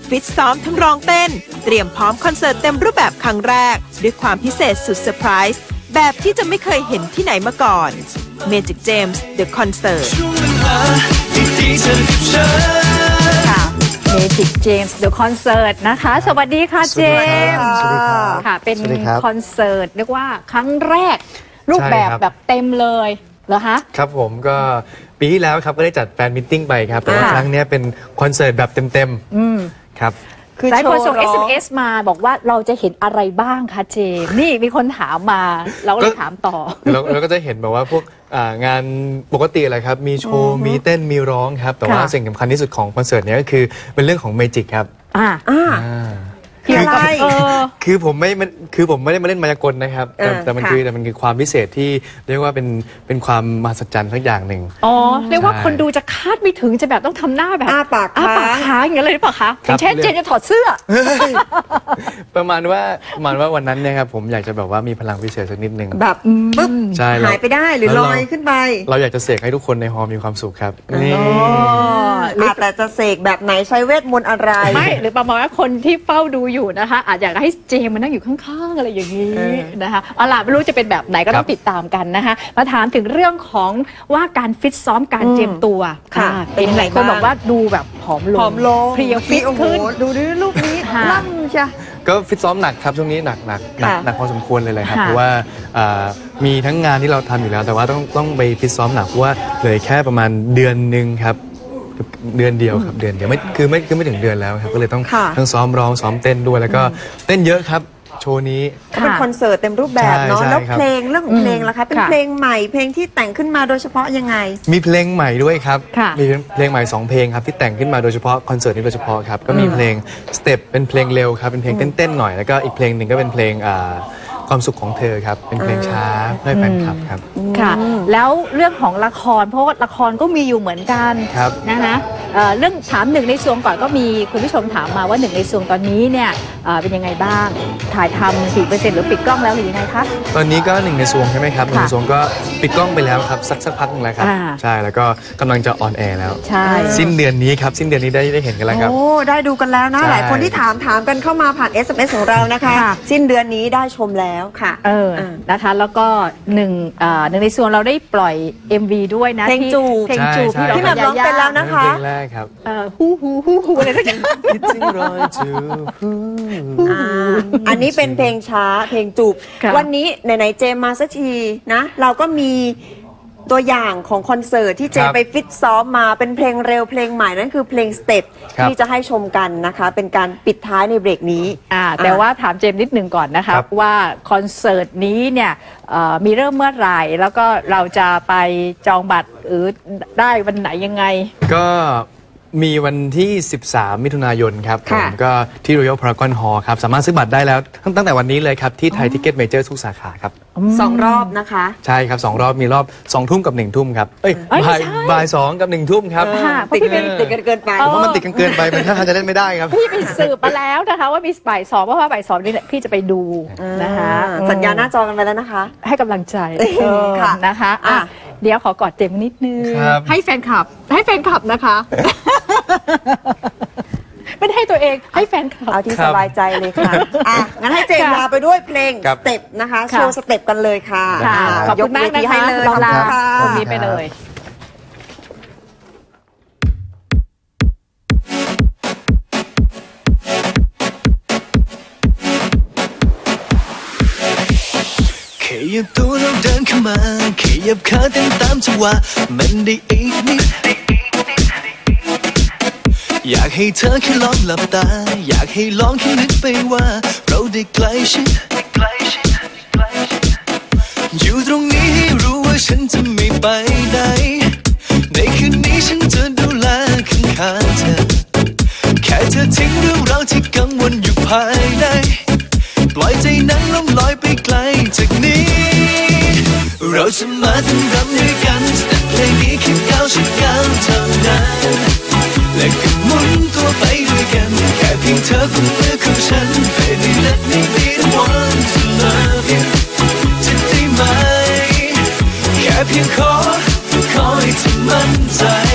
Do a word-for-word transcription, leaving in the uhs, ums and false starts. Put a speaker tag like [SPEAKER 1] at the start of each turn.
[SPEAKER 1] ฟิตซ้อมทั้งร้องเต้นเตรียมพร้อมคอนเสิร์ตเต็มรูปแบบครั้งแรกด้วยความพิเศษสุดเซอร์ไพรส์แบบที่จะไม่เคยเห็นที่ไหนมาก่อน Magic James The Concert
[SPEAKER 2] ค่ะ Magic James The Concert นะคะสวัสดีค่ะเจมส์ค่ะเป็นคอนเสิร์ตเรียกว่าครั้งแรกรูปแบบแบบเต็มเลยเหรอคะ
[SPEAKER 3] ครับผมก็ปีที่แล้วครับก็ได้จัดแฟนมิทติ้งไปครับแต่ว่าครั้งนี้เป็นคอนเสิร์ตแบบเต็มๆครับ
[SPEAKER 2] หลายคนส่ง เอส เอ็ม เอส มาบอกว่าเราจะเห็นอะไรบ้างคะเจมนี่มีคนถามมาเราก็เลยถามต่อ
[SPEAKER 3] เราก็จะเห็นแบบว่าพวกงานปกติอะไรครับมีโชว์มีเต้นมีร้องครับแต่ว่าสิ่งสำคัญที่สุดของคอนเสิร์ตนี้ก็คือเป็นเรื่องของเมจิกครับ
[SPEAKER 2] อ่าอ่า
[SPEAKER 3] คือคือผมไม่คือผมไม่ได้มาเล่นมายากลนะครับแต่มันคือแต่มันคือความพิเศษที่เรียกว่าเป็นเป็นความมหัศจรรย์สักอย่างหนึ่ง
[SPEAKER 2] อ๋อเรียกว่าคนดูจะคาดไม่ถึงจะแบบต้องทำหน้าแบบ
[SPEAKER 4] อ้าปาก
[SPEAKER 2] อ้าปากค้างอย่างเงี้ยเลยหรือเปล่าคะอย่างเช่นเจนจะถอดเสื้อ
[SPEAKER 3] ประมาณว่าประมาณว่าวันนั้นเนี่ยครับผมอยากจะแบบว่ามีพลังพิเศษสักนิดนึง
[SPEAKER 4] แบบปึ๊บหายไปได้หรือลอยขึ้นไป
[SPEAKER 3] เราอยากจะเสกให้ทุกคนในฮอลล์มีความสุขครับ
[SPEAKER 4] นี่แต่จะเสกแบบไหนใช้เวทมนต์อะไร
[SPEAKER 2] ไม่หรือประมาณว่าคนที่เฝ้าดูอยู่นะคะอาจอยากให้เจมมานั่งอยู่ข้างๆอะไรอย่างนี้นะคะเอาล่ะไม่รู้จะเป็นแบบไหนก็ต้องติดตามกันนะคะมาถามถึงเรื่องของว่าการฟิตซ้อมการเตรียมตัว
[SPEAKER 4] ค่ะ
[SPEAKER 2] เป็นหลายคนบอกว่าดูแบบผอมลง
[SPEAKER 4] ผอมลง
[SPEAKER 2] เพรียวฟิตขึ้น
[SPEAKER 4] ดูด้วยรูปนี้ล่ำใช่
[SPEAKER 3] ก็ฟิตซ้อมหนักครับช่วงนี้หนักหนักหนักหนักพอสมควรเลยเลยครับเพราะว่ามีทั้งงานที่เราทำอยู่แล้วแต่ว่าต้องต้องไปฟิตซ้อมหนักเพราะว่าเลยแค่ประมาณเดือนหนึ่งครับเดือนเดียวครับเดือนเดียวไม่คือไม่คือไม่ถึงเดือนแล้วครับก็เลยต้องทั้งซ้อมร้องซ้อมเต้นด้วยแล้วก็เต้นเยอะครับโชว์นี้
[SPEAKER 4] เป็นคอนเสิร์ตเต็มรูปแบบเนาะแล้วเพลงเรื่องของเพลงล่ะคะเป็นเพลงใหม่เพลงที่แต่งขึ้นมาโดยเฉพาะยังไง
[SPEAKER 3] มีเพลงใหม่ด้วยครับมีเพลงใหม่สองเพลงครับที่แต่งขึ้นมาโดยเฉพาะคอนเสิร์ตนี้โดยเฉพาะครับก็มีเพลงสเต็ปเป็นเพลงเร็วครับเป็นเพลงเต้นๆหน่อยแล้วก็อีกเพลงหนึ่งก็เป็นเพลงความสุขของเธอครับเป็นเพลงช้าให้แฟนคลับครับ
[SPEAKER 2] ค่ะแล้วเรื่องของละครเพราะว่าละครก็มีอยู่เหมือนกันนะคะเรื่องถามหนึ่งในซวงก่อนก็มีคุณผู้ชมถามมาว่าหนึ่งในซวงตอนนี้เนี่ยเป็นยังไงบ้างถ่ายทำกี่เปอร์เซ็นต์หรือปิดกล้องแล้วหรือยังไงคะ
[SPEAKER 3] ตอนนี้ก็หนึ่งในซวงใช่ไหมครับหนึ่งในซวงก็ปิดกล้องไปแล้วครับสักสักพักนึงแล้วครับใช่แล้วก็กำลังจะออนแอร์แล้ว
[SPEAKER 2] ใช่
[SPEAKER 3] สิ้นเดือนนี้ครับสิ้นเดือนนี้ได้ได้เห็นกันแล้วครับ
[SPEAKER 4] โอ้ได้ดูกันแล้วนะหลายคนที่ถามถามกันเข้ามาผ่าน เอส เอ็ม เอส ของเรานะคะสิ้นเดือนนี้ได้ชมแล้วค่ะ
[SPEAKER 2] เออนะคะแล้วก็หนึ่งหนึ่งในส่วนเราได้ปล่อย เอ็ม วี ด้วยนะ
[SPEAKER 4] เพลงจูบ
[SPEAKER 2] เพลงจูบที่เรา
[SPEAKER 4] ที่แบบร้องเป็นแล้วนะคะ
[SPEAKER 3] เพลงแรกครับ
[SPEAKER 2] ฮู้ฮู้ฮู้ฮู้อะไรสักอย่าง
[SPEAKER 4] อันนี้เป็นเพลงช้าเพลงจูบวันนี้ไหนๆเจมมาสักทีนะเราก็มีตัวอย่างของคอนเสิร์ตที่เจไปฟิตซ้อมมาเป็นเพลงเร็วเพลงใหม่นั่นคือเพลงสเต็ปที่จะให้ชมกันนะคะเป็นการปิดท้ายในเบรกนี้
[SPEAKER 2] แต่ว่าถามเจมนิดหนึ่งก่อนนะคะว่าคอนเสิร์ตนี้เนี่ยมีเริ่มเมื่อไหร่แล้วก็เราจะไปจองบัตรหรือได้วันไหนยังไง
[SPEAKER 3] ก็มีวันที่สิบสามมิถุนายนครับผมก็ที่ Royal Paragon Hall ครับสามารถซื้อบัตรได้แล้วตั้งแต่วันนี้เลยครับที่ไทยทิกเก็ตเมเจอร์ทุกสาขาครับ
[SPEAKER 4] สองรอบนะคะ
[SPEAKER 3] ใช่ครับสองรอบมีรอบสองทุ่มกับหนึ่งทุ่มครับเอ้ยบ่ายบ่ายสองกับหนึ่งทุ่มครับ
[SPEAKER 4] ติดกันติดกันเกินไป
[SPEAKER 3] เพราะมันติดกันเกินไปมันถ้าจะเล่นไม่ได้ครับ
[SPEAKER 2] พี่ไปสืบมาแล้วนะคะว่ามีบ่ายสองเพราะว่าบ่ายสองนี่พี่จะไปดูนะคะ
[SPEAKER 4] สัญญาหน้าจอกันไปแล้วนะคะ
[SPEAKER 2] ให้กำลังใจนะคะเดี๋ยวขอกอดเจมนิดนึงให้แฟนคลับให้แฟนคลับนะคะไม่ได้ให้ตัวเองให้แฟนคลับ
[SPEAKER 4] เอาที่สบายใจเลยค่ะอ่ะงั้นให้เจมลาไปด้วยเพลงสเต็ปนะคะโชว์สเต็ปกันเลยค่ะ
[SPEAKER 2] ขอบคุณมากนะคะเราลาตรงนี้ไปเลย
[SPEAKER 5] ขยับตัวเราเดินเข้ามาขยับขาเต้นตามจังหวะมันได้อีกนิดอยากให้เธอแค่ลองหลับตาอยากให้ลองแค่นึกไปว่าเราได้ใกล้ชิดอยู่ตรงนี้ให้รู้ว่าฉันจะไม่ไปไหนในคืนนี้ฉันจะดูแลข้างๆเธอแค่เธอทิ้งเรื่องราวที่กังวลอยู่ภายในปล่อยใจนั้นล่องลอยไปไกลจากนี้เราจะมาทำรำด้วยกันแต่เพลงนี้แค่ก้าวฉันก้าวเท่านั้นและก็หมุนตัวไปด้วยกันแค่เพียงเธอกุมมือของฉัน Baby let me be the one to love you จะได้ไหมแค่เพียงขอขอให้เธอมั่นใจ